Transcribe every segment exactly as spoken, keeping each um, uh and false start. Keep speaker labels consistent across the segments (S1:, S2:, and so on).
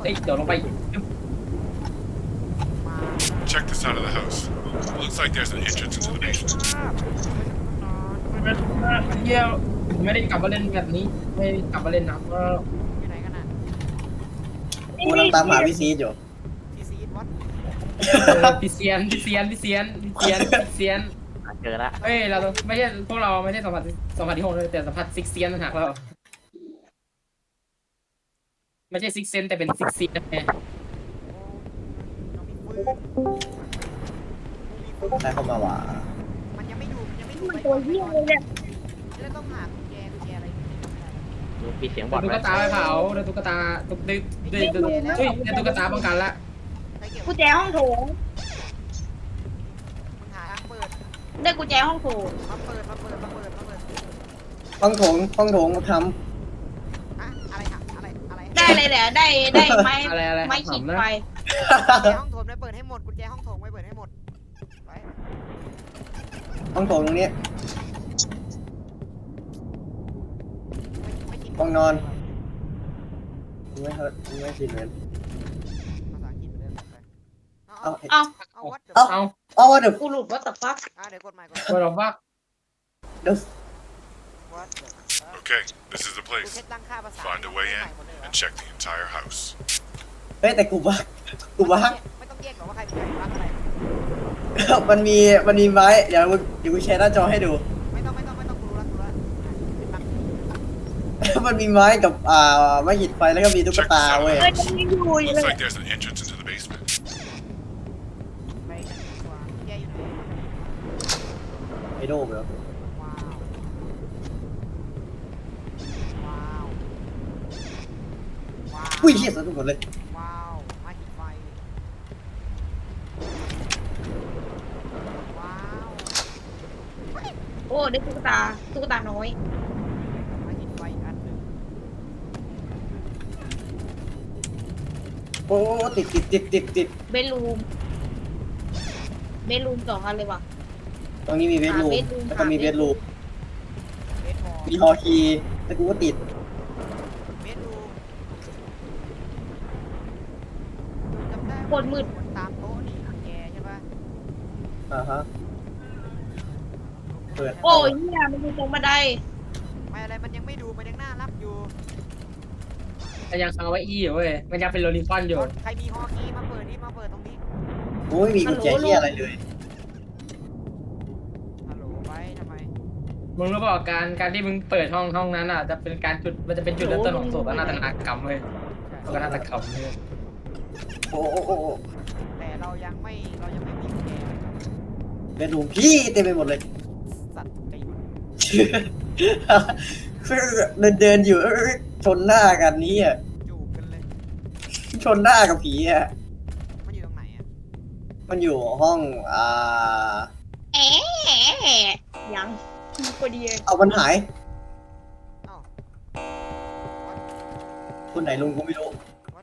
S1: เอ้ยเดี๋ยวลงไป
S2: Check this side of the house. Looks like there's an entrance into the basement.
S1: เที่ยวไม่ได้กลับมาเล่นแบบนี้ไม่ได้กลับมาเล่นนะเพราะ
S3: อยู่ไหนกันน่ะ
S4: กูกำลังตามหาพี่ซีดอยู่
S3: ทีซีดวัด
S1: พิเซียนพิเซียนพิเซียนพิเซียนพิเซียน
S5: เจอละ
S1: เอ้ยเราไม่ใช่พวกเราไม่ใช่สัมผัสสัมผัสที่หกเลยแต่สัมผัสซิกเซียนต่างหากเราไม่ใช่ซิกเซนแต่เป็นซิกเซียนไง
S3: น้องมีปืนมีปืน
S4: ใครเข้ามาว่ะ
S3: มันยังไม่ดูมันยังไม่ดู
S6: มันตัวเหี้ยเลยเนี่ย
S3: แล้วต้องหากุญแจกุญแจอะไรอยู่ในนั้น
S5: ดูปีเสียงบอ
S1: เดิ
S5: ด
S1: นตุ๊กตาไปเผาเดินตุ๊กตาตุ๊กเดินเดินเดินเฮ้ยเดินตุ๊กตาป้องกันละ
S3: ใครเก็บ
S6: กุญแจห้องโถง
S3: มึงหาทางเปิด
S6: ได้กุญแจห้องโถง
S3: มาเปิดมาเปิดมาเปิดมาเปิด
S4: ห้องโถงห้องโถงท
S3: อะอะไรอะอะไรอะไร
S6: ได้เลยแหละได้ได้ไม้
S1: อะไรอะไร
S6: ไม้ขีดไฟ
S3: กุญแจ
S4: ำ
S3: ห้องโถงไม่เปิดให้หมดกุญแจห้องโถงไม่เปิดให้หมดไป
S4: ห้องโถงตรงนี้
S3: ไม่ไม่กิน
S4: ห้องนอน ไม่เฮิร์ตไม่ชินเลย
S3: ภาษาอังกฤษไปเลยไป
S4: เอา
S3: เอา
S6: เอา
S3: เอาวัดเดี๋ยว
S4: เอา
S1: เอา
S4: เอาว่าเดี๋ยว
S6: กูหลุดว่าแต่ฟัก
S3: อ่ะเดี๋ยวกดใหม่กด
S1: ตัวเราฟัก
S4: เดี๋ยว
S3: วัดเดี๋ยว
S2: Okay, this is the
S3: กู
S2: place.
S3: เช็ดตั้งค่าภาษา
S2: Find a way
S3: ให
S2: in
S3: ม่หมดเลยเหรอ
S2: and check the entire house.
S4: เฮ้ยแต่กูบักกูบัก
S3: ไม่ต้องแยกหรอกว่าใครเป็นใครรักอะไร
S4: มันมีมันมีไม้เดี๋ยวมึงเดี๋ยวกูแชร์หน้าจอให้ดู
S3: ไม่ต้องไม่ต้องไม่ต้องกูรู้แล้วกูรู้แล้วเป็นบัก
S4: มันมีไม้กับอ่าไม้หิดไฟแล้วก็มีตุ๊กตาเว้ย
S6: เอ้ยยังอยู่อยู่เล
S2: Looks
S6: ย
S2: like there's an entrance into the basement.
S3: ไปกันดีกว่าแยกอยู่ไหน
S4: ไอโดมเหรอ
S3: ว้าวว้าวว้าว
S4: อุ้ยเหี้ยสะดุ้งหมดเลย
S3: ว้าวมาหิดไฟว้าว
S6: โอ้ได้ตุ๊กตาตุ๊กตาน้อย
S3: มาหิดไฟอีกอันหนึ่ง
S4: โอ้ติดติดติดติดติด
S6: เบดรูมเบดรูมสองอันเลยว่ะ
S4: ตรงนี้มีเบดรูม
S6: หา bedroom
S4: แล้วก็มี
S6: หา
S4: เบดรูม
S3: เบสบอล
S4: มีฮอลคีย์แต่กูก็ติด
S3: เบสดูจำได้
S6: โคตรมืด
S3: ตามโต๊ะนี่แกใช่ปะ
S4: อ่าฮะเปิด
S6: โอ้ยเหี้ยมันอยู่ตรงบันได
S3: ไม่อะไรมันยังไม่ดูมันยังน่ารักอยู่
S1: แต่ยังเอาไว้อี้อยู่เว้ยมันยังเป็นโรลิฟอนอยู่
S3: ใครมีฮอคีมาเปิดนี่มาเปิดตรงนี้
S4: โอ้ยมีกุญแจเหี้ยอะไรเลย
S3: ฮัลโหลไว้ทำไม
S1: มึงรู้เปล่าการการที่มึงเปิดห้องห้องนั้นอ่ะจะเป็นการจุดมันจะเป็นจุดเริ่มต้นของโศกนาฏกรรมเว้ยโศกนาฏกรรมเว้ย
S4: โอ้โอ้โอ้โอ้
S3: แต่เรายังไม่เรายังไม่มีกุญแจ
S4: เบดรูมพี่เต็มไปหมดเลย
S3: สัตว์ใจหยุด
S4: เดินเดินอยู่เอ้ยชนหน้ากันนี้อ่ะ
S3: จูบกันเลย
S4: ชนหน้ากับผีอ่ะ
S3: มันอยู่ตรงไหนอ่ะ
S4: มันอยู่ห้องอ่า
S6: แอะแอะยังพอดีเลย
S4: เอามันหาย
S3: เอ้า
S4: คนไหนลุงกูไม่รู้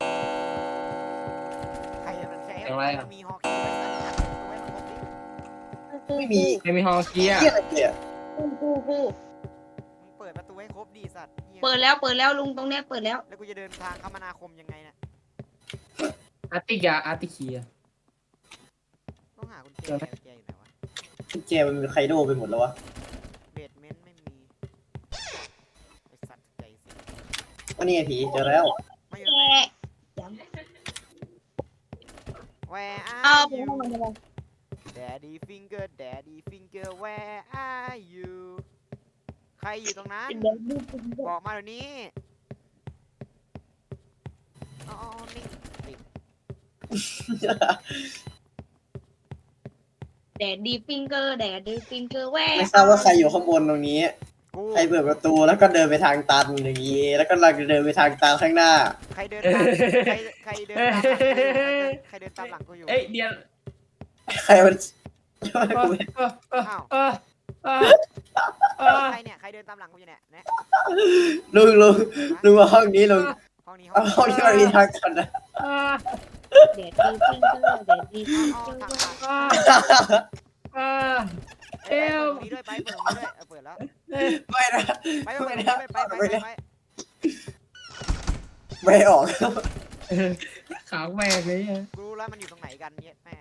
S3: ใครจะเป็นแชร์
S1: อะไรอ่ะ
S3: มีฮอคีไว้สักอันไว้มันครบดิ
S4: ไม่มี
S1: ไม่มีฮอลเกีย
S4: เหี้ยอะไรเนี่ย
S6: กูกูกู
S3: มึงเปิดประตูให้ครบดีสัตว์หี้ย
S6: เปิดแล้วเปิดแล้วลุงตรงเนี้ยเปิดแล้ว
S3: แล้วกูจะเดินทางคมนาคมยังไงเนี่ย
S1: อาร์ติกาอาร์ติเคีย
S3: ต้องหากุญแจ
S1: เจอไหม
S3: กุญแจอยู่ไหนวะ
S4: กุญแจมันเป็นไคโดไปหมดแล้ววะ
S3: เบสเมนต์ไม่มีไอสัตว์ใจสิ
S4: วันนี้ไงผีเจอแล้ว
S3: ไม่อยู่
S6: แอะ
S3: ไหน
S6: ยัง
S3: Where
S6: เอา
S3: are
S6: ไปห้อง
S3: you
S6: มันเลย
S3: Daddy finger Daddy finger Where are you ใครอยู่ตรงนั้น
S6: เดี๋ยวดูดูดู
S3: บอกมาเดี๋ยวนี้อ๋อนิ่งติด
S6: แดดดีฟิงเกอร์แดดดีฟิงเกอร์แหว
S4: ไม่ทราบว่าใครอยู่ข้างบนตรงนี้
S3: กู
S4: ใครเปิดประตูแล้วก็เดินไปทางตันอย่างนี้ แล้วก็เราเดินไปทางตันข้างหน้า
S3: ใครเดินตามใครใครเดินตามหลังกูอยู่ใครเดินตามหลังกูอยู่
S1: เอ้ยเดียน
S4: ใครมัน
S1: เออ
S4: กูไม่
S1: เออเออเออเออเออ
S3: ใครเนี่ยใครเดินตามหลังกูอยู่เนี่ยเนี่ย
S4: ลุงลุงลุงมาห้องนี้ลุง
S3: ห้องนี้ห้
S4: เอา
S3: อง
S4: ห้องที่มันมีทางตันนะ
S1: เออ
S6: แดดดีฟิงเกอร์แดดดีฟิง
S3: อ๋อ
S6: เกอ
S3: ทาง
S6: ร์
S3: หลัง
S1: เออเออ
S3: เอ้ยเปิดตรงนี้ด้วยไปเปิดตรงนี้ด้วยเออเปิดแล้ว
S4: ไม่นะ
S3: ไปไปไปไปไปไปไปไป
S4: ไม่ออก
S1: ขาวแม่งเลยอะ
S3: กูรู้แล้วมันอยู่ตรงไหนกันเนี่ยแม่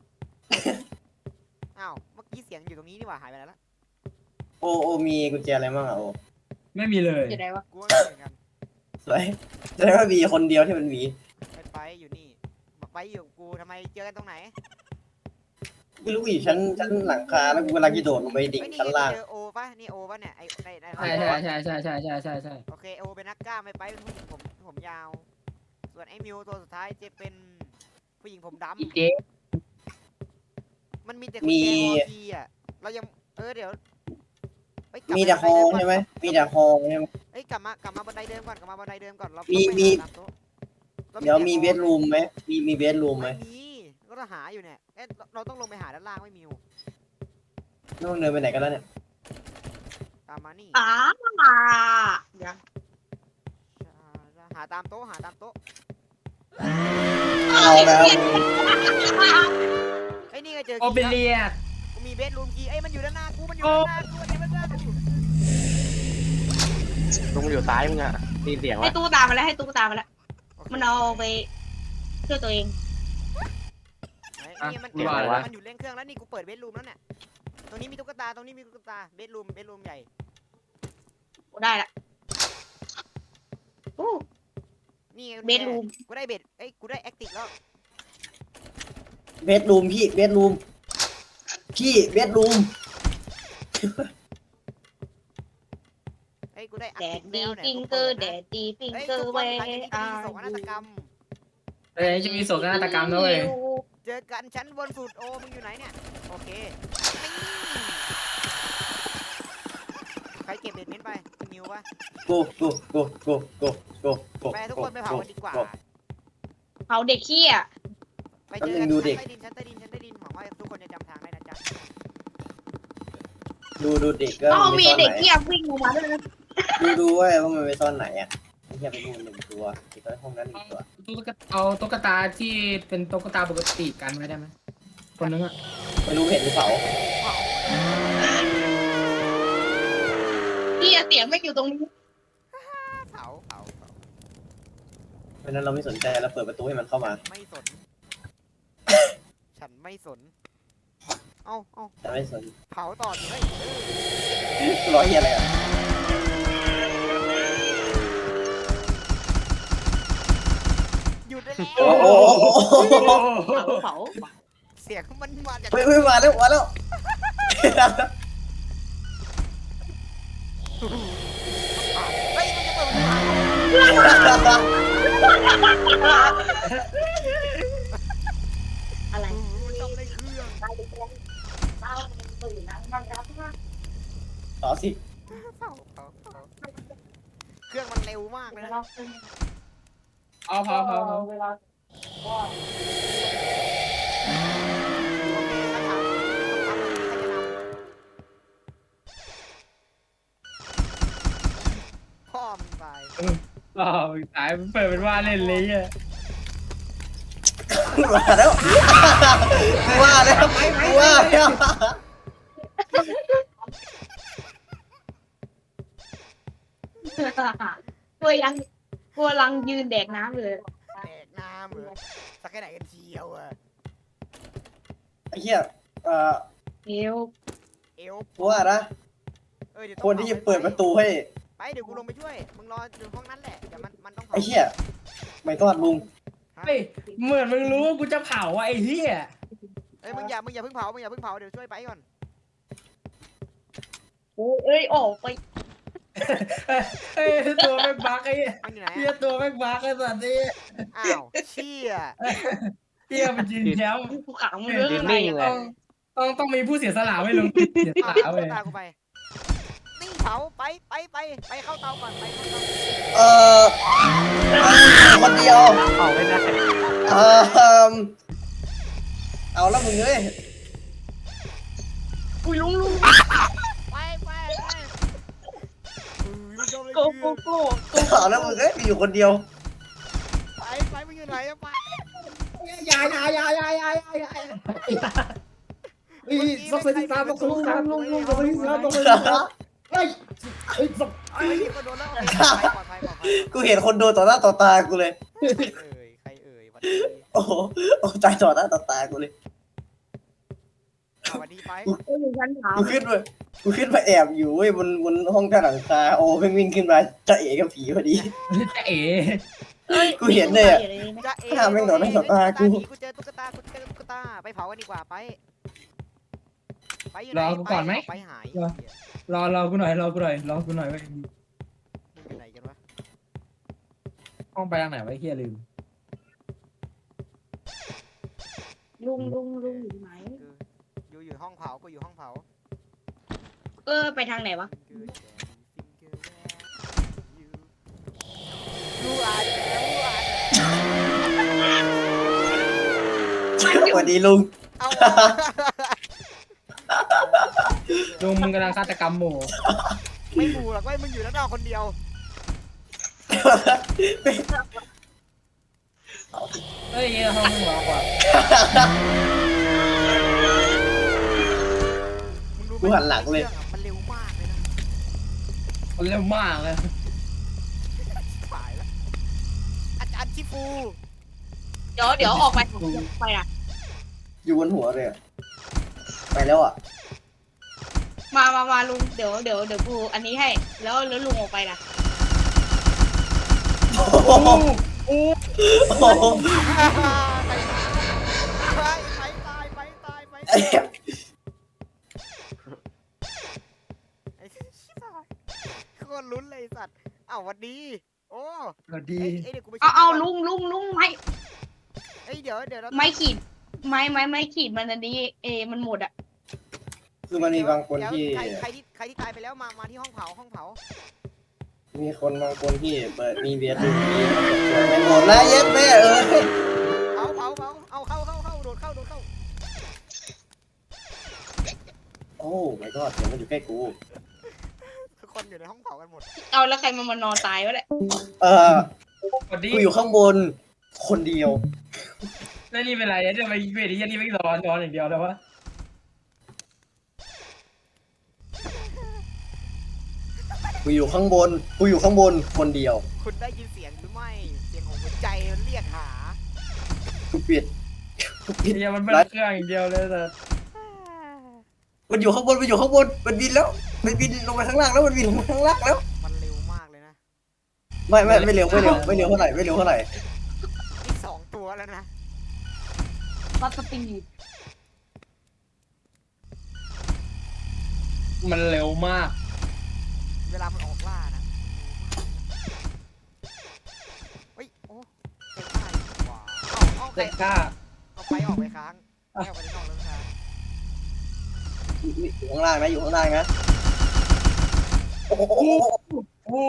S3: อ้าวเมื่อกี้เสียงอยู่ตรงนี้นี่หว่าหายไปแล้วละ
S4: โอโอมีกุญแจอะไรบ้างอ่ะโอ
S1: ไม่มีเลย
S6: อยู่ไหนวะ
S3: กูว่าไม่เหมือนกัน
S4: สวยแสดงว่ามีคนเดียวที่มันมี
S3: ไปไปอยู่นี่ไปอยู่กับกูทำไมเจอกันตรงไหน
S4: ไม่รู้อยู่ชั้นชั้นหลังคาแล้วกูกำลังจะโดดลงไปดิ่ง
S3: เฮ้ยนี่
S4: ชั้น
S3: ไง
S4: ล่าง
S3: เจอโอปะนี่โอปะเนี่ยไอ้ในใน
S1: ใช่ใช่ใช่ใช่ใช่ใช่ใช่ใช่
S3: โอเคโอเป็นนักกล้ามไม่ไปเป็นผู้หญิงผมผมยาว ส่วนไอ้มิวตัวสุดท้ายจะเป็นผู้หญิงผมดำ
S1: อีเจ๊
S3: มันมีแต่กุญแจฮอคีอ่ะเรายังเออเดี๋ยวเฮ้ยกลับ
S4: มีแต่
S3: า
S4: ฮอ
S3: บันดเดิ
S4: ใช่ไหม
S3: ก่อน
S4: มีแต่ฮอใช่ไหม
S3: เฮ้ยกลับมากลับมาบันไดเดิมก่อนกลับมาบันไดเดิมก่อนเรา
S4: มี
S3: ต้องไป
S4: มี
S3: หาตามโต๊ะรา
S4: เดี๋ยวมี
S3: แต่
S4: เบดรูมไหมมีมีเบดรูมไหม
S3: ไม่มีก็ต้องหาอยู่เนี่ยเอ๊ะเราเราต้องลงไปหาด้านล่างไม่มีอยู่
S4: ต้องเดินไปไหนกันแล้วเนี่ย
S3: ตามมานี่
S6: อ้ายัง
S3: หาตามโต๊ะหาตามโต๊ะ
S4: เอาแล้ว
S3: ไอ้ยนี่ไงเจอ
S1: โอเป
S3: คีย์
S1: เลีย
S3: แล้วกูมีเบดรูมคีย์เอ้ยมันอยู่ด้านหน้ากูมันอยู่ด้านหน้ากูมันอยู่ด้านหน้ากู
S5: ลุงอยู่ซ้ายมึงอะมีเสียง
S6: ให้
S5: วะ
S6: ตู้ตามมาแล้วให้ตู้ตามมาแล้ว
S3: โอเค
S6: มันเอาไปช่วยตัวเอง
S3: ไหนนี่มันมันอยู่เร่งเครื่องแล้วนี่กูเปิดเบดรูมแล้วเนี่ยตรงนี้มีตุ๊กตาตรงนี้มีตุ๊กตาเบดรูมเบดรูมใหญ่
S6: กูได้ละอู้
S3: นี่ไง
S6: เบดรูม
S3: กูได้เบดเอ้ยกูได้แอคติกแล้ว
S4: เบดรูมพี่เบดรูมพี่เบดรูม
S3: เอ้ยกูได้แอค
S6: แด
S3: ติ
S6: ด
S3: ก
S6: ดี
S3: แล้วเนี่ย
S6: ฟิง
S3: กู
S6: เกอ
S3: ปิ
S6: ร์
S3: ด
S6: แด
S3: นะ
S6: ดดีฟิง
S3: เฮ้ย
S6: เกอ
S3: ทุ
S6: ร์
S3: กค
S6: เวน
S3: หลังจากนี้จะ
S6: อา
S3: มีโศกนาฏกรรม
S1: เอ้ยจะมีโศกนาฏกรรมด้วย
S3: เจอกันชั้นบนสุดโอมึงอยู่ไหนเนี่ยโอเคนี่ใครเก็บเบ็ดเม้นไปนิวปะ
S4: กูกูกูกูกูกูกู
S3: ไปทุกคนไปเผากันดีกว่า
S6: เผาเด็กขี้อ่ะ
S3: ไปเจอกันชั้นใต้ดินชั้นใต้ดินชั้นใต้ดินหวังว่าทุกคนจะจำทางได้นะจ๊ะ
S4: ดูดูเด็กก็
S6: ต้อง
S4: ไป
S6: มี
S4: ซ่อน
S6: เด็ก
S4: ไหน
S6: ขี้วิ่งลงมาด้วยนะ
S4: ดูดูว่าว่ามันไปซ่อนไหนอ่ะไอ้เหี้ยไปดูหนึ่งตัวอีกตัวห้องนั้นหนึ่งตัว
S1: ตุ๊กตาเอาตุ๊กตาที่เป็นตุ๊กตาปกติกันไว้ได้ไหมคนนึงอะ
S4: ไม่รู้เห็นหรือเปล่า
S6: พี่เสียงไม่อยู่ตรงนี้
S3: เผาเผาเผา
S4: เพราะนั้นเราไม่สนใจเราเปิดประตูให้มันเข้ามา
S3: ไม่สน ฉันไม่สน เอ้าเอ้า
S4: แต่ไม่สน
S3: เผาต่อดิเฮ้ย
S4: ร้อยเหี้ยอะไรอ่ะ
S3: หยุดได้แล้ว
S4: โอ้โห
S6: เผาเผา
S3: เสียงมันมาจาก
S4: เฮ้ยเฮ้ยมาแล้วมาแล้ว
S3: เฮ้ยมันจะเปิดประตู
S6: อะไร
S3: มันต้องในเครื่อง
S4: ต่อสิ
S3: เผาเผาเผาเครื่องมันเร็วมากเลยนะ
S1: เอาพอพอพอ
S3: โอเคถ้าถามต้องทำใครจะนำพ่อมึงตาย
S1: อ๋อตายเปิดเป็นว่าเล่นเลยอ่ะ
S4: มาแล้วว่าแล้วว่าแล้ว
S6: ตัวยังตัวลังยืนแดกน้ำเลย
S3: แดกน้ำเหรอสักแค่ไหนกันเชียวอะ
S4: ไอ้เหี้ยเอ่อ
S6: เอว
S3: เอว
S4: ว่านะ
S3: เออเดี๋ยว
S4: คนที่จะเปิดประตูให้
S3: ไปเดี๋ยวกูลงไปช่วย มึงรออยู่ห้องนั้นแหละเดี๋ยวมันมันต้อง
S4: ไอ้เหี้ยไม่ทอดลุง
S1: เฮ้ยเหมือนมึงรู้ว่ากูจะเผาอ่ะไอ้เหี้ย
S3: เอ้ยมึงอย่ามึงอย่าเพิ่งเผามึงอย่าเพิ่งเผาเดี๋ยวช่วยไปก่อน
S6: โอ้ยเอ้ยออกไป
S1: เฮ้ยตัวแม่งบักไอ้เหี้ย
S3: มันอยู่ไหน
S1: เหี้ย
S3: อะ
S1: ตัวแม่งบักไอ้สัตว์นี่
S3: อ้าว เชี่ย
S1: เหี้ยมันยืนแชมป์
S6: ภูเขามันเรื่องอะไร
S5: นิ่งเล
S1: ต้
S5: ย
S1: องต้องต้องมีผู้เสียสละไว้ลงเสียส
S3: อ้าว
S1: ละ
S3: ตุ๊
S1: เว้ย
S3: กตากูไปนี่เผาไปไปไปไปเข้าเตาก่อนไปเข้าเตา
S4: เอ่อคนเดียว
S5: เอาไม่ได้
S4: เอ่อเอาแล้วมึงเอ้ย
S6: อุ้ยลุงลุง
S3: ไปไปไปอุ้ยไม่ชอบเลย
S6: โกโกโก
S4: เอาแล้วมึงเอ้ยมีอยู่คนเดียว
S3: ไปไปมึงอยู่ไหนอะไป
S1: อย่าอย่าอย่าอย่าอย่าอย่าอย่าเฮ้ยต้องใส่ที่ตามต้องใส่ที่ตามต้องต้องใส่ที่ตามต้องใส่ที่ตามเฮ้ยเฮ้ยศพ
S3: เฮ้ยมีคนโดนแล้วโอเคปลอดภัยปลอดภัยปลอดภัย
S4: กูเห็นคนโดนต่อหน้าต่อตากูเลย
S3: เอ้ย
S4: โอ้โหโอ้ใจต่อหน้าต่อตากูเลย
S3: สวัสดีไป
S6: ก็อยู่ชั้นสาม
S4: กูขึ้นมากูขึ้นมาแอบอยู่เว้ยบนบนห้องใต้หลังคาโอ้เพิ่งวิ่งขึ้นมาจะเอ๋กับผีพอดี
S1: จะเอ๋
S4: กูเห็นเลยอะ
S3: จะเอ๋
S4: ถ้าแม่งโดนไม่สบตากู
S3: กูเจอตุ๊กตากูเจอตุ๊กตาไปเผากันดีกว่าไปไปอยู่ไหน
S1: รอกูก่อนไหม
S3: ไปหาย
S1: รอ รอรอกูหน่อยรอกูหน่อยรอกูหน่อยเว้ย
S3: มึงอยู่ไหนกันวะ
S1: ห้องไปทางไหนวะไอ้เฮียลืม
S6: ลุงลุงลุงอยู่ไหน
S3: อยู่อยู่ห้องเผากูอยู่ห้องเผา
S6: เออไปทางไหนวะ
S3: รู้อ่านแล้วรู้อ่าน
S4: สวัสดีลุง
S3: เอา
S1: ลุงมึงกำลังฆาตกรรมหมู่
S3: ไม่บูหรอกเว้ยมึงอยู่แล้วนอกคนเดียว
S1: เฮ้ยห้องมึงหรอกว่า
S3: มึงรู้ไหม
S4: กูหันหลังเลย
S3: มันเร็วมากเลยนะ
S1: มันเร็วมากเลย
S3: ตายแล้วอาจารย์ชิฟู
S6: เดี๋ยวเดี๋ยวออกไปไปอ่ะ
S4: อยู่บนหัวเลยอะไปแล้วอ่ะ
S6: มามามาลุงเดี๋ยวเดี๋ยวเดี๋ยวกูอันนี้ให้ แล้วแล้วลุงออกไปล่ะ
S4: โอ้โหโอ้โห
S3: ไปไปตายไปตายไป
S4: ไอ้เหี้ย
S3: ไอ้ชิบหายโคตรลุ้นเลยไอ้สัตว์อ้าวหวัดดี โอ้
S1: สวัสดี
S3: เอ้ยเอ้ยเดี๋ยวกูไป
S6: เอาเอา
S3: ช็คก่น
S6: ลุงลุงลุงไม่
S3: เอ้ยเดี๋ยวเดี๋ยวเรา
S6: ไม่ขีดไม่ไม่ไม่ขีดมันอันนี้เอมันหมดอ่ะ
S4: คือมันมีบางคนที่
S3: เดี๋ยวใครใครที่ใครที่ตายไปแล้วมามาที่ห้องเผาห้องเผา
S4: มีคนบางคนที่เปิดมีเบียร์ดูมีไม่หมดแล้วเย็ดแม่เอ้ย
S3: เผาเผาเผาเอาเข้าเข้าเข้าโดดเข้าโดดเข้า
S4: โอ้ my god เสียงมันอยู่ใกล้กู
S3: ทุกคนอยู่ในห้องเผากันหมด
S6: เอาแล้วใครมามานอนตายวะเนี่ย
S4: เออ
S1: สวัสดี
S4: กูอยู่ข้างบนคนเดียว
S1: แล้วนี่เป็นไรเนี่ยไปเวทีนี่ไม่ร้อนร้อนอย่างเดียวแล้ววะ
S4: กูอยู่ข้างบนกูอยู่ข้างบนคนเดียว
S3: คุณได้ยินเสียงหรือไม่เสียงของหัวใจมันเรียกหา
S4: กูปิดกูปิด
S1: เฮียมันเบิ้ลเครื่องอย่างเดียวเลยแต่
S4: มันอยู่ข้างบนมันอยู่ข้างบนมันบินแล้วมันบินลงไปข้างล่างแล้วมันบินลงมาข้างล่างแล้ว
S3: มันเร็วมากเลยนะ
S4: ไม่ไม่ไม่เร็วไม่เร็วไม่เร็วเท่าไหร่ไม่เร็วเท่าไหร่
S3: นี่สองตัวแล้วนะ
S6: วัดสปีด
S1: มันเร็วมาก
S3: เวลามันออกล่านะเฮ้ยโอ้เต็มได้ว้าวเอาเอาใคร
S1: เด็กกล้า
S3: เอาไปออกไปค้างไม่เอาไปในนอกแล้วค้าง
S4: อยู่ข้างล่างนะอยู่ข้างล่างนะโอ้โห
S1: โอ้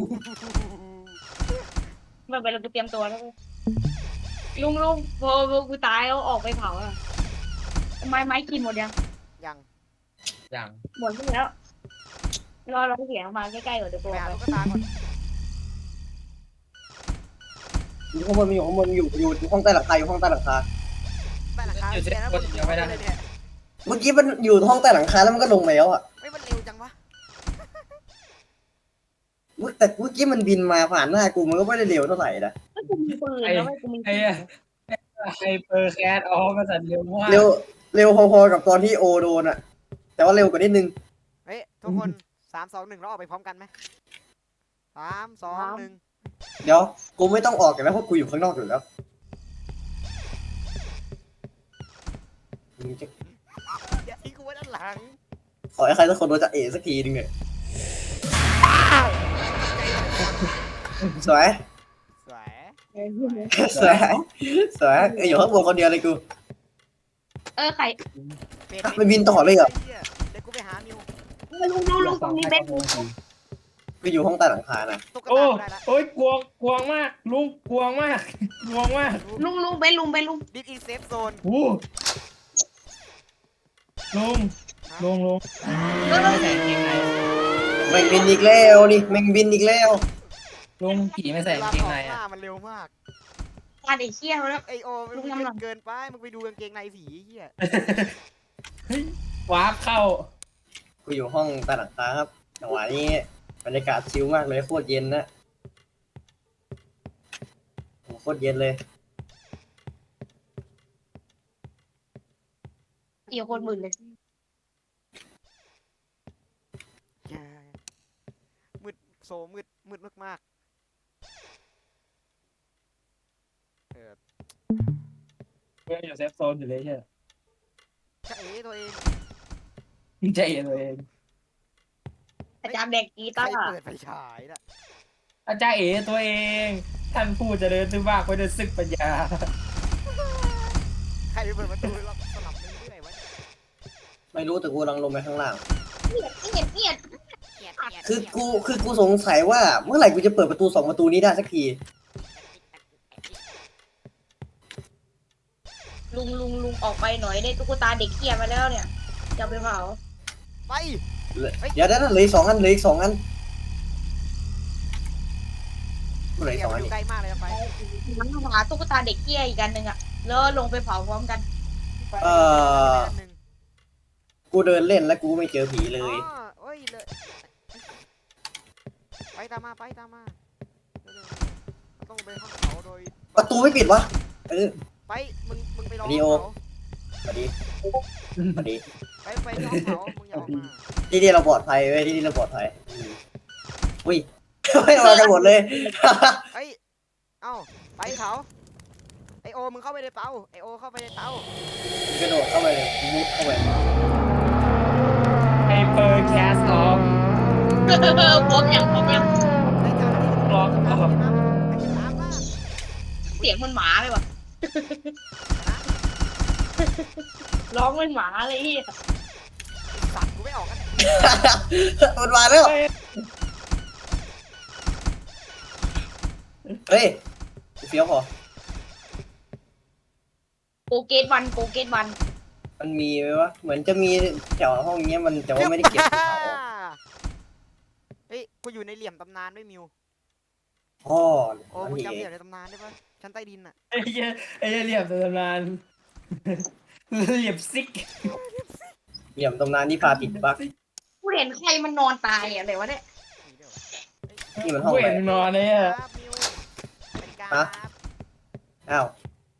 S6: ไม่เป็นไรกูเตรียมตัวแล้วเว้ยลุงลุงพอพอกูตายแล้วออกไปเผาอ่ะไม้ไม้กินหมดยัง
S3: ยัง
S1: อย่าง
S6: หมดแล้วรอรอเสียงมาใกล้ๆก่อนเดี๋ยวกู
S3: ไป
S6: อ
S3: หา
S6: อก
S3: ตุ๊กตาก่อน
S4: อยู่ข้างบนมันอยู่ข้างบนอยู่อยู่อยู่ห้องใต้หลังคาอยู่ห้องใต้หลังคา
S3: ใต้หลังคาเสียแล้วมันอยู่เลยเนี่ย
S4: เมื่อกี้มันอยู่ห้องใต้หลังคาแล้วมันก็ลงไปแล้วอ่ะ
S3: ไม่มันเร็วจังวะ
S4: เมื่อแต่เมื่อกี้มันบินมาผ่านหน้ากูมันก็ไม่ได้เร็วเท่าไหร่นะ
S6: ก็กูมีปืนแล้วไอ้กูมี
S1: ไอ้ไฮเปอร์แคทอ๋อมาสั่นเร็วมาก
S4: เร็วเร็วพอๆกับตอนที่โอโดนอ่ะ แต่ว่าเร็วกว่านิดนึง
S3: เฮ้ยทุกคนสามสองหนึ่งเราออกไปพร้อมกันไหมสามสองหนึ่ง
S4: เดี๋ยวกูไม่ต้องออกกันแล้วเพราะกูอยู่ข้างนอกอยู่แล้วมึงจะ
S3: อย่าทิ้งกูไว้ด้านหลัง
S4: ขอให้ใครสักคนโดนจะเอสักทีนึงเนี่ยสวย
S3: สวย
S4: สวยสวยเอ้ยอยู่ข้างบนคนเดียวเลยกู
S6: เออใคร
S3: เป็ด
S4: มันบินต่อเลยเหรอ
S3: เดี๋ยวกูไปหามิว
S6: ลุงลุงลุงตรงนี้เบ็ดลุง
S4: กูอยู่ห้องใต้หลังคานะ
S3: ตุ๊ก
S1: โอ้
S3: ตากูได้ละ
S1: โอ้ยกลัวกลัวมากลุงกลัวมากกลัวมาก
S6: ลุงลุงเบ็ดลุงเบ็ดลุง
S3: ดิสอินเซฟโซน
S1: โอ้ลุงลุงลุง
S6: เออ
S1: ไม่ใส่กางเกงใน
S4: แม่งบินอีกแล้วนี่แม่งบินอีกแล้ว
S1: ลุงผีไม่ใส่กางเกงในอ่ะ
S3: มันเร็วมาก
S6: มาไอ้เชี่ยแล้ว
S3: ไอโอ
S6: ลุ
S3: มึ
S6: ง
S3: ง
S6: ทำหลัง
S3: เกินไปมึงไปดูกางเกงในผีเฮีย
S1: วาร์ปเข้า
S4: กูอยู่ห้องใต้หลังคาครับจังหวะนี้บรรยากาศชิลมากเลยโคตรเย็นนะโหโคตรเย็นเลย
S6: ตีคนหมื่นเลย
S3: แย่มืดโซมืดมืดมากๆเออ
S1: เพื่อนอยู่เซฟโซนอยู่เลยใช่ไหม
S3: จะเอ๋ตัวเอง
S1: ใจเย็นตัวเอง
S6: อาจารย์เด็กกี
S3: ใคร
S6: ตาร์
S3: เปิดไฟฉายน่ะ
S1: อาจารย์เอ๋ตัวเองท่านผู้เจริญซึ่งมากไปด้วยศึกปัญญา
S3: ใครเปิดประตูเราสลับไปเรื่อยๆวะ
S4: ไม่รู้แต่กูกำลังลงไปข้างล่าง
S6: เงียบเงียบเงียบ
S3: เกลียดเกลียด
S4: คือกูคือกูสงสัยว่าเมื่อไหร่กูจะเปิดประตูสองประตูนี้ได้สักที
S6: ลุงลุงลุงออกไปหน่อยได้ตุ๊กตาเด็กเกียมาแล้วเนี่ยจะเอาไปเผา
S3: ไป
S4: เดี๋ยวเดี๋ยวเหลืออีกสองอันเหลืออีกสองอันเหลืออีก
S3: เดี๋
S4: ส
S3: ย
S4: อ
S3: ว
S4: งอัน
S3: อยู่
S4: นี่
S3: ใกล้มากเลยนะไป
S6: มันหาตุ๊กตาเด็กเกียอีกอันหนึ่งอะแล้วลงไปเผาพร้อมกัน
S4: เออ
S3: อันหนึ่ง
S4: กูเดินเล่นแล้วกูไม่เจอผีเล
S3: อ๋อย เอ้ยเลยไปตามมาไปตามมาเร็วๆเราต้องไปห้องเขาโดย
S4: ประตูไม่ปิดวะเออ
S3: ไปมึงมึงไปรอ
S4: วิดีโอ
S3: ห้องเขา
S4: สวัสดีสวัสดี
S3: ไปไปที่ห้องเขามึงอย่าออกมา
S4: ที่นี่เราปลอดภัยเว้ยที่นี่เราปลอดภัยอืมอุ้ย ไม่มากันหมดเลย
S3: เฮ้ยเอ้าไปเขาไอโอมึงเข้าไปในเตาไอโอเข้าไปในเตาก
S4: ระโดดเข้าไปเลยมุดเข้าไป
S1: ไฮเปอร์แคสออฟ
S6: ผมยังผมยัง
S3: ไอเจ้าหน้าที่
S1: ล็อกออฟ
S3: ไอ้ตามล่า
S6: เสียงมันหมาเลยว่ะร้องเป็นหมาเลยที่
S3: สัตว์กูไม่ออกกัน
S4: มันมาแล้วเฮ้ยเฟี้ยวพอ
S6: โกเกตวันโกเกตวัน
S4: มันมีไหมวะเหมือนจะมีแถวห้องเนี้ยมันแต่ว่าไม่ได้เก็บภูเขา
S3: เฮ้ยกูอยู่ในเหลี่ยมตำนานด้วยมิว
S4: พ่อ
S3: โอ้
S4: มัน
S3: มึง
S4: มี
S3: จำเห
S4: เอ
S3: ลี่ย
S4: ง
S3: มในตำนานได้ปะชั้นใต้ดินอะ
S1: ไอ้เหี้ยไอ้เหี้ยเหลี่ยมตำนานเหลี่ยมซิก
S4: เหลี่ยมตำนานที่พาติดบั๊ก
S6: กูเห็นใครมันนอนตายอะไรวะเนี่ย
S3: มีด้วยวะ
S4: นี่มันห้อง
S1: เว
S4: อะไร
S1: นนอนเนี่ย
S3: ครับมิวสวัสดีครับ
S4: ฮะ อ้าว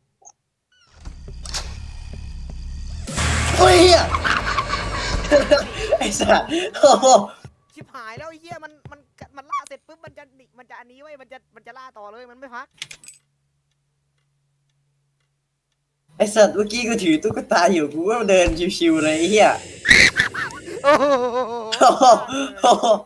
S4: เฮ้ยเหี้ย ไอ้สัสโอ้โห
S3: ชิบหายแล้วไอ้เหี้ยมันมันมันล่าเสร็จปุ๊บมันจะหนีมันจะอันนี้ไว้ยมันจะมันจะล่าต่อเลยมันไม่พัก
S4: ไอ้สัตว์เมื่อกี้กูถือตุ๊กตาอยู่กูก็เดินชิวๆเลยไอ้เหี้ย
S3: โอ้โห
S4: โอ้โหโอ้โห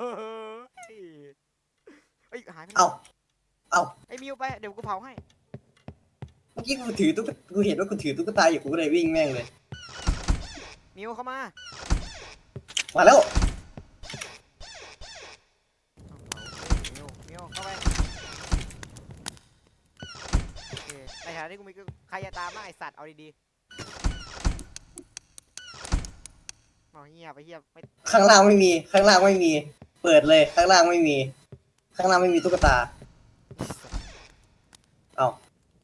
S3: เอ้ยหายไป
S4: เอ้าเอ้า
S3: ไอ้มิวไปเดี๋ยวกูเผาให้
S4: เมื่อกี้กูถือตุ๊กกูเห็นว่ากูถือตุ๊กตาอยู่กูก็เลยวิ่งแม่งเลย
S3: มิวเข้ามา
S4: มาแล้ว
S3: มิวมิวเข้าไปโอเคในฐานะที่กูมีก็ใครจะตามมาไอสัตว์เอาดีๆเอาเหี้ยไปเหี้ยไม่
S4: ข้างล่างไม่มี ข้างล่างไม่มี เปิดเลยข้างล่างไม่มี ข้างล่างไม่มีตุ๊กตา เอ้า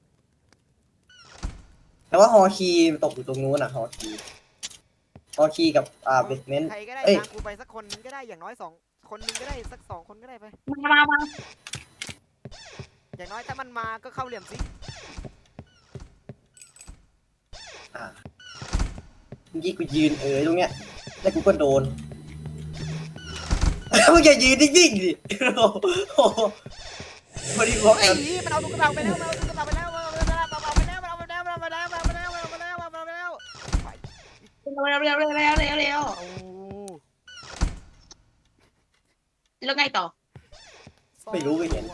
S4: แต่ว่าฮอคีตกอยู่ตรงนู้นอะฮอคีฮอคีกับอ่าเบสเมนต์
S3: ใครก็ได้
S4: เอ้ย
S3: ตามกูไปสักคนนึงก็ได้อย่างน้อยสองคนนึงก็ได้สักสองคนก็ได้ไป
S6: มามามา
S3: อย่างน้อยถ้ามันมาก็เข้าเหลี่ยมสิ
S4: อ่าเมื่อกี้กูยืนเออตรงเนี้ยแล้วกูก็โดน มึงอย่ายืนนิ่งๆดิโอ้โหพอดีบอก
S3: ไอ้
S4: กัน
S3: หีมันเอาตุ๊กตาไปแล้วมันเอาตุ๊กตาไปแล้วมันเอาตุ๊กตาไปแล้วมันเอาไปแล้วมันเอาไปแล้วมันเอาไปแล้วมันเอาไปแล้วมันเอาไปแล้วมันเอาไปแล้ว
S6: เร็วเร็วเร็วเร็วเร็วเร็ว
S3: โอ้
S6: แล้วไงต่อ
S4: ไม่รู้ไม่เห็น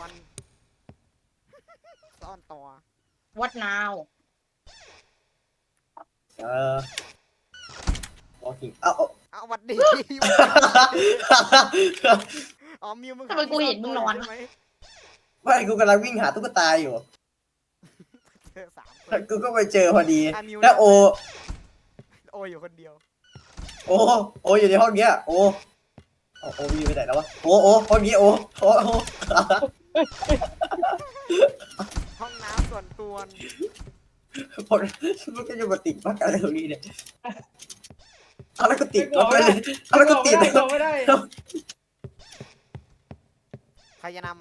S3: ซ่อนตัว
S6: what now
S4: เออโอเคเอาเอา
S3: เอาหวัดดีอ๋อมิวมึง
S6: ทำไมกูเห็นมึงนอน
S3: ใช่ไหม
S4: ไม่กูกำลังวิ่งหาตุ๊กตาอยู่
S3: เจอสามคน
S4: แล้วกูก็ไปเจอพอดี
S3: อ่ะมิว
S4: แล้วโอ
S3: โออยู่คนเดียว
S4: โอ โออยู่ในห้องเนี้ย โอเอาโอมีไปไหนแล้ววะ โอ โอห้องนี้โอ โอ โอ
S3: ห้องน้ำส่วนตัว
S4: พอมันก็จะมาติดบั๊กอะไรตรงนี้เนี่ยเอาแล้วก็ติดบั๊กไปเลยเอาแล้วก็ติด
S1: ไม่ได้ไม่ได้
S3: ใครจะนำมา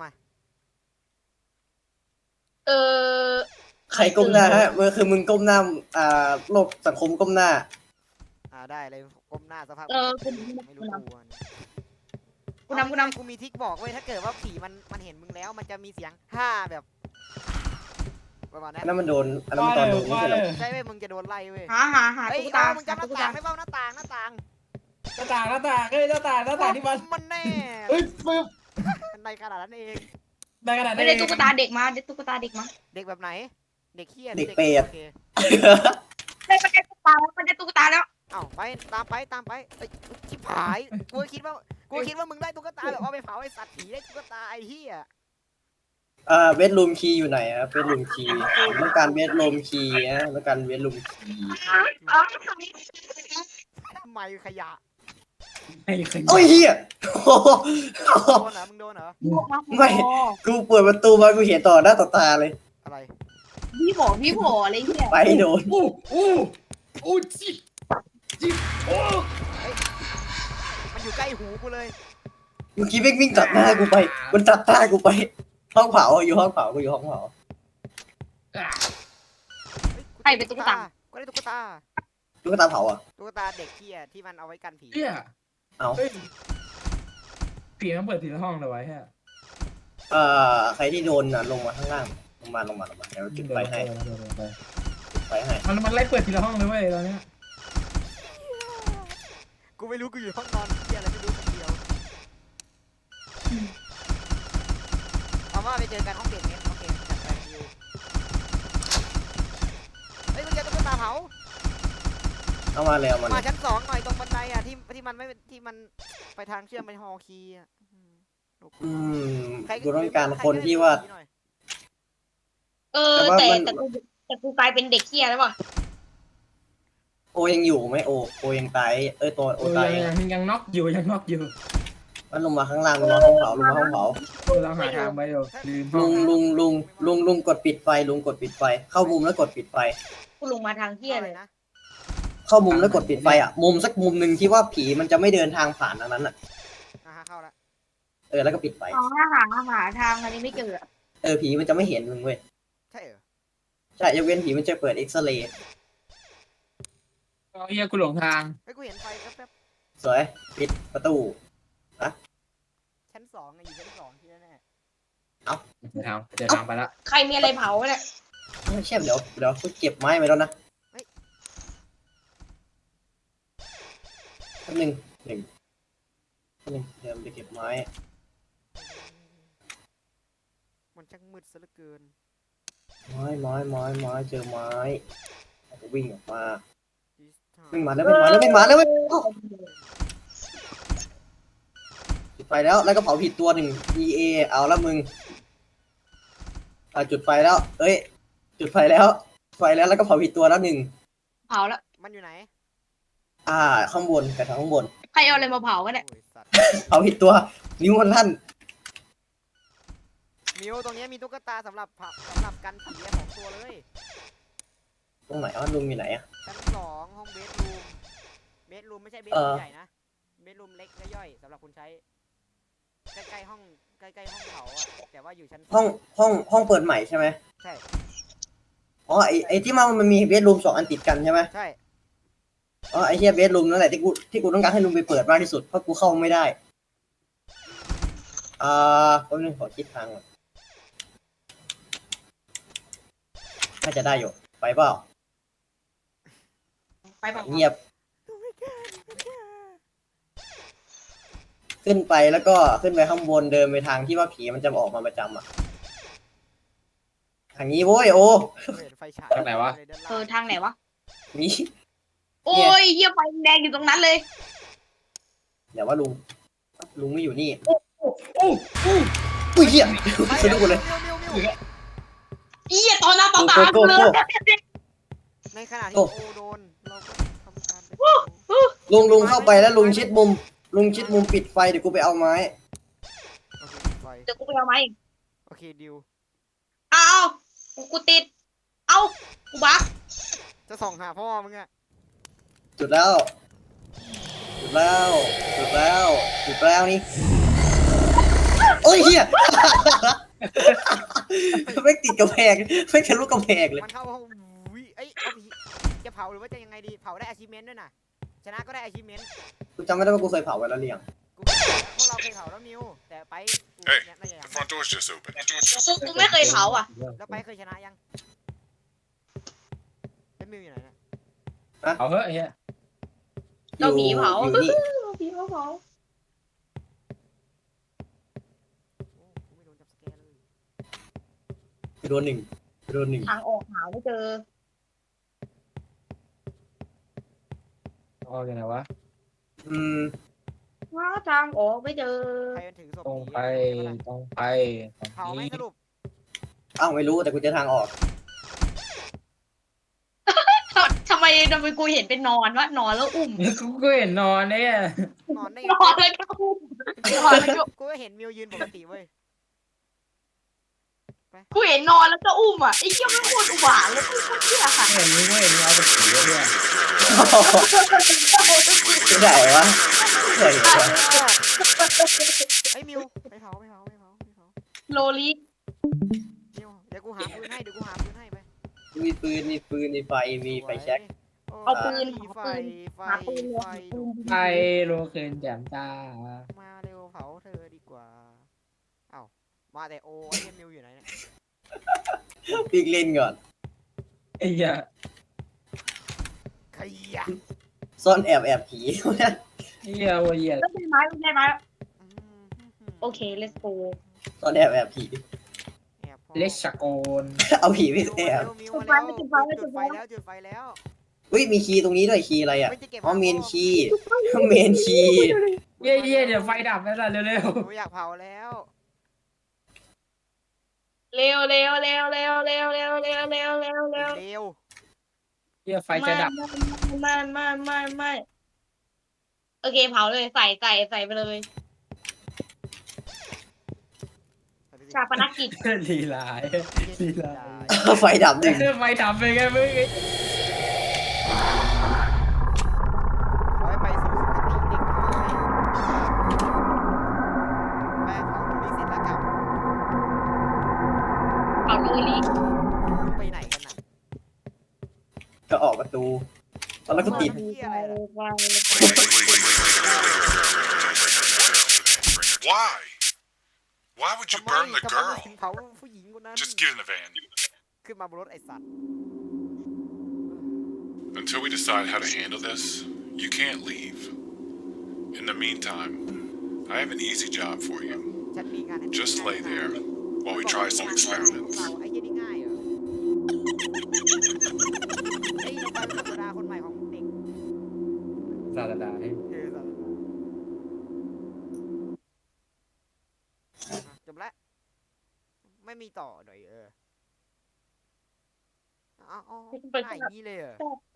S6: เออ
S4: ใครก้มหน้าฮะมันคือมึงก้มหน้า อ่าโลกสังคมก้มหน้า
S3: อ่าได้เลยก้มหน้าสภาพ
S6: เออกู
S3: ไม่รู้ตัว
S6: กูนำกูนำ
S3: กูมีทิกบอกเว้ยถ้าเกิดว่าผีมันมันเห็นมึงแล้วมันจะมีเสียงฮ่าแบบประมาณนั้
S4: อั
S3: น
S4: นนั้นมันโดนอันนั้นมันตอนโดนนี่ใช่หรอ
S3: ใช่เว้ยมึงจะโดนไล่เว้ย
S6: หาหาหา
S3: เฮ้ย
S6: ตุ๊กตา
S3: เอามึงจำห
S6: หา
S3: น้า
S6: ตุ๊ก
S3: ต่า
S6: ตาง
S3: ได้เปล่าหน้าต่างหน้าต่าง
S1: หน้าต่างหน้าต่างเอ้ยหน้าต่างหน้าต่างที่มัน
S3: มันแน่
S1: เฮ้ยปึ๊บ
S3: ในขนาดนั้นเอง
S1: ได้ขนาดนั้
S6: ไม่
S1: น
S6: ได้ตุ๊กตาเด็กมาได้ตุ๊กตาเด็กมา
S3: เด็กแบบไหน เด็กเฮีย
S4: เด็กเปรต
S3: โอค
S6: ได้ไม่ได้ตุ๊กตาแล้วไม่ได้ตุ๊กตาแล้ว
S3: เอ้าไปตามไปตามไปเอ้ยชิบหายกูคิดว่ากูคิดว่ามึงได้ตุ๊กตาแบบเอาไปเผาไอ้สัตว์ผีได้ตุ๊กตาไอ้เฮีย
S4: เอ่อเบดรูมคีย์อยู่ไหนครับเบดรูมคีย์ต้องการเบดรูมคีย์นะต้องการเบดรูมคีย์
S6: อ๋อ
S3: ทำไมขยะ
S1: ไอ้ขยะ
S4: โอ้ยเฮียโอ้โห
S3: โดนเหรอมึงโดนเหรอ
S4: ไม่ กูเปิดประตูมากูเห็นต่อหน้าต่อตาเลย
S3: อะไร
S6: พี่บอกพี่บอกอะไรเงี้ย
S4: ไปโดน
S1: อู้อู้อู้จิจิโอ้
S3: มันอยู่ใกล้หูกูเลย
S4: เมื่อกี้วิ่งวิ่งตัดหน้ากูไป มันตัดหน้ากูไป ห้องเผาอยู่ห้องเผากูอยู่ห้องเผา
S3: ใครเป็นตุ๊กตาก็ได้ตุ๊กตา
S4: ตุ๊กตาเผาอ่ะ
S3: ตุ๊กตาเด็กเฮียที่มันเอาไว้กันผี
S1: เฮีย
S4: เอา
S1: เฮ้ยผีมันเปิดทีละห้องเลยไว้ฮะ
S4: เอ่อใครที่โดนน่ะลงมาข้างล่าง ลงมาลงมาลงมาเดี๋ยวจุดไฟให้จุดไฟให้
S1: มันมันไล่เปิดทีละห้องเลยเว้ยตอนเนี้ย
S3: กูไม่รู้กูอยู่ห้องนอนเฮียอะไรไม่รู้คนเดียวเอาว่าไปเจอกันห้องเด็กเนี่ยโอเคจัดไปอยู่เฮ้ยมึงเจอตุ๊กตาเผา
S4: เอามาเลยเอามาเล
S3: มาย ชั้นสองหน่อยตรงบันไดอ่ะที่ที่มันไม่ที่มันไปทางเชื่อมไปฮอลคีย์อ่ะ
S4: อืม
S3: ใคร
S4: กูต้องการคนที่ว่า
S3: หน่อย
S6: เออ
S4: แต่ว่า
S6: แต่
S4: มัน
S6: แต่กูแต่กูกลายเป็นเด็กเฮียแล้วป่ะ
S4: โอยังอยู่ไหมโอโอยังตายเอ้ยตัวโอ
S1: โอ้ย
S4: ตาย
S1: ยังยังยังน็อกอยู่ยังน็อกอยู่
S4: มันลงมาข้างล่างลงมาห้องเผาลงมาห้องเผา
S1: เราหาทางไปอยู่ลืม
S4: ลุงลุงลุงลุงลุงกดปิดไฟลุงกดปิดไฟ เข้ามุมแล้วกดปิดไฟ
S6: กูลงมาทางเฮียเลย
S3: นะ
S4: เข้ามุมแล้วกดปิดไฟอ่ะ มุมสักมุมหนึ่งที่ว่าผีมันจะไม่เดินทางผ่านทางนั้นอ่ะ
S3: อ่าฮะเข้าละ
S4: เออแล้วก็ปิดไฟ
S6: อ๋อหาหาทางอันนี้ไม่เจอ
S4: เออผีมันจะไม่เห็นมึงเว้ย
S3: ใช่เหรอ
S4: ใช่ยกเว้นผีมันจะเปิดเอ็กซเรย์
S1: เฮียกูหลงทาง
S3: เฮ้ยกูเห็นไฟแป๊บ
S4: สวยปิดประตู
S3: ๆชั้นสองไงอยู่ชั้นสองที่แน่
S1: เดินทางเดินทางไปละ
S6: ใครมีอะไรเผาเนี่ย
S4: ไม่ใช่เดี๋ยวเดี๋ยวกูเก็บไม้ไปแล้วนะแป๊บหนึ่งหนึ่งแป๊บหนึ่งเดี๋ยวไปเก็บไม้
S3: ๆมันช่างมืดซะเหลือเกิน
S4: ไม้ไม้ไม้ไม้เจอไม้แล้วก็วิ่งออกมา
S3: This
S4: วิ่ง
S3: time
S4: มาแล้ววิ่งมาแล้ววิ่งมาแล้ววิ่งมาจุดไฟแล้วแล้วก็เผาผิดตัวหนึ่ง E A เอาละมึงอ่าจุดไฟแล้ว เอ้ย จุดไฟแล้ว ไฟแล้วแล้วก็เผาผิดตัวแล้วหนึ่ง
S6: เผาแล้ว
S3: มันอยู่ไหน
S4: อ่า ข้างบนกระถางข้างบน
S6: ใครเอาอะไรมาเผาวะเนี่ย
S3: โอ้ยสัตว์
S4: เผาผิดตัว นิ้วมันลั่น
S3: มิวตรงเนี้ยมีตุ๊กตาสำหรับเผาสำหรับกันผีอะสองตัวเลย
S4: ตรงไหนอ่ะลุงอยู่ไหนอ่ะ
S3: ชั้นสองห้องเบดรูมเบดรูมไม่ใช่เบด
S4: เอ
S3: รู
S4: อ
S3: มใหญ่นะเบดรูมเล็กและย่อยสำหรับคุณใช้ใกล้ๆห้องใกล้ๆห้องเผาอะแต่ว่าอยู่ชั้น
S4: ห้องห้องห้องเปิดใหม่ใช่ไหม
S3: ใช่
S4: อ๋อไอไอที่มันมันมีเบดรูมสองอันติดกันใช่ไหม
S3: ใช่
S4: อ๋อไอเฮียเบดรูมนั่นแหละที่กูที่กูต้องการให้ลุงไปเปิดมากที่สุดเพราะกูเข้าไม่ได้ อ่าแป๊บนึงขอคิดทางก่อนน่าจะได้อยู่ไปเปล่า
S6: ไปเผา
S4: เงียบ ขึ้นไปแล้วก็ขึ้นไปข้างบนเดินไปทางที่ว่าผีมันจะออกมาประจำอ่ะ ทางนี้โว้ยโอ
S3: เห็นไฟฉาย
S1: ทางไหนวะ
S3: เลยด้านล่าง
S6: เออทางไหนวะ
S4: นี่
S6: โอ้ยเฮียไฟแดงอยู่ตรงนั้นเลย
S4: เดี๋ยวว่าลุง ลุงไม่อยู่นี่
S1: อู้อู้
S4: อุ้ยเหี้ย
S3: ไป
S4: สนุกเลย
S3: มิวมิวมิว
S6: เฮียตอนหน้าตอนตา
S4: โก้
S6: เล
S4: โก้
S6: ย
S3: ในขณะที่
S4: โอ้
S3: โอโดนเราก็ทำการไป
S4: ลุงลุงเข้าไปแล้วลุงชิดมุม ลุงชิดมุมปิดไฟเดี๋ยวกูไปเอาไม้
S3: โอเคไฟ
S6: เดี๋ยวกูไปเอาไหม
S3: โอเคดิว
S6: เอากูกูติด เอากูบัก
S3: จะส่องหาพ่อมึงอะ
S4: จุดแล้ว จุดแล้ว จุดแล้ว จุดแล้วนี่โอ้ยเฮีย ไม่ติดกระแพงไม่ทะลุกระแพงเลย
S3: มันเข้าห้องวิเอ้ยเอาผีจะเผาหรือว่าจะยังไงดีเผาได้ achievement ด้วยนะชนะก็ได้ achievement
S4: กูจำไม่ได้ว่ากูเคยเผาไว้แล้วหรือยัง
S3: กูพวกเราเคยเผาแล้วมิวแต่ไปกู
S2: Hey,
S3: เนี่ยน่าจะยัง
S2: the front door's just open.
S6: กูไม่เคยเผาอ่ะ
S3: แล้วไปเคยชนะยังเป็นมิวอยู่ไหนเนี่ย
S1: เอาเฮ้ยไอ้เหี้ย
S6: เราผีเผา
S4: อยู่นี่
S6: เราผีเผาเผา
S3: โอ้กูไม่โดนจับสแกร์เลย
S4: โดนหนึ่งโดนหนึ่ง
S6: ทางออกหาไม่เจอ
S1: เอาอย่างไรวะ
S4: อืม
S6: หาทางออกไม่เจอ
S3: ใครมันถือศพ
S1: ตรง
S3: ผี
S1: ไป
S3: อะ
S1: ตรงไป
S3: เผาไหมสรุป
S4: อ้าวไม่รู้แต่กูเจอทางออก
S6: ทำไมทำไมกูเห็นเป็นนอนวะนอนแล้วอุ้ม
S1: กูก็เห็นนอนเนี่ย
S3: นอนได้
S6: นอนแล้วก็อุ้มนอนแล้วก็
S3: กูก็เห็นมิวยืนปกติเว้ย
S6: กูเห็นนอนแล้วก็อุ้มอ่ะไอ้เหี้ยมันโคตรอุบาทเลยเหี้ยค่ะ
S1: เห็นมึงก็เห็นมึงเอาไปถือด้วย
S4: ไม่ได้วะไม่ได้วะ
S3: ไอ้ยมิวไปเผาไปเผาไปเผาไปเผา
S6: โลลิ
S3: มิวเดี๋ยวกูหาปืนให้เดี๋ยวกูหาปืนให้ไป
S4: มีปืนมีปืนมีไฟมีไฟแช็ก
S6: เอาปืน
S3: มี
S6: หา
S3: ไฟ
S6: ปืน
S3: ไฟ
S6: หาปืนเลย
S3: ไฟ
S6: หาปืน
S1: ไปโลเคนแจ่มจ้า
S3: มาเร็วเผาเธอดีกว่าเอ้ามาแต่โอไอ้เหี้ยมิวอยู่ไหนเนี่ย
S4: ปีกเล่นก่อน
S1: ไอ้เหี้ย
S3: ขยะ
S4: ซ่อนแอบแอบผี
S1: ไอ้เหี้ยโอ้ยเหี้ย
S6: แล้วได้ไหมได้ไหม
S3: อืม
S6: โอเค let's go
S4: ซ่อนแอบแอบผี
S3: แอบพอ
S1: เลชโกน
S4: เอาผีไป
S3: มิว
S4: แอ
S3: มา
S4: บ
S3: เร็วมิวมาแล้วจุดไฟแล้วจุดไฟแล้ว
S4: อุ้ยมีคีย์ตรงนี้ด้วยคีย์อะไรอ่ะ
S3: ไม่จะเก็บ
S4: อ๋อเมนคีย์เมนคีย์
S1: เหี้ยเหี้ยเดี๋ยวไฟดับแล้วล่ะเร็ว
S3: กูอยากเผาแล้ว
S6: เร็วเร็วเร็วเร็วเร็วเร็วเร็วเร็วเร็วเร็ว
S3: เร็ว
S1: ๆเหี้ยไฟจะดับ
S6: ไม่ไม่ไม่ไม่โอเคเผาเลยใส่ใส่ใส่ไปเลยชาปนกิจ
S1: ลีลายลีลาย
S4: ไฟดับหนึ่ง
S1: ไฟดับไปไงมึง
S3: ขอให้ไปสู่สุคติเด็กน้อยแม่เผาตรงนี้เสร็จแล้วกลับ
S6: เผาเลยลิ
S3: ไปไหนกันน่ะ
S4: ก็ออกประตูแล้วก็ปิด
S2: Why? Why would you
S3: ทำไม
S2: burn the
S3: ทำไม
S2: girl?
S3: ถึงเผาผู้หญิงคนนั้น
S2: Just get in the van.
S3: ขึ้นมาบนรถไอ้สัตว์
S2: Until we decide how to handle this, you can't leave. In the meantime, I have an easy job for you.
S3: ฉันมีงานให้
S2: Just lay there while we try some experiments.
S3: ไอ้เหี้ยนี่ง่ายเหรอไอ้เราไปเป็นธรรมดาคนใหม่ของเด็ก
S1: ซาดาดา
S3: เออสัตว์อ่ะจบแล้วไม่มีต่อหน่อยเออเอาเอาง่ายอย่างนี้เลยเหรอ
S6: แต่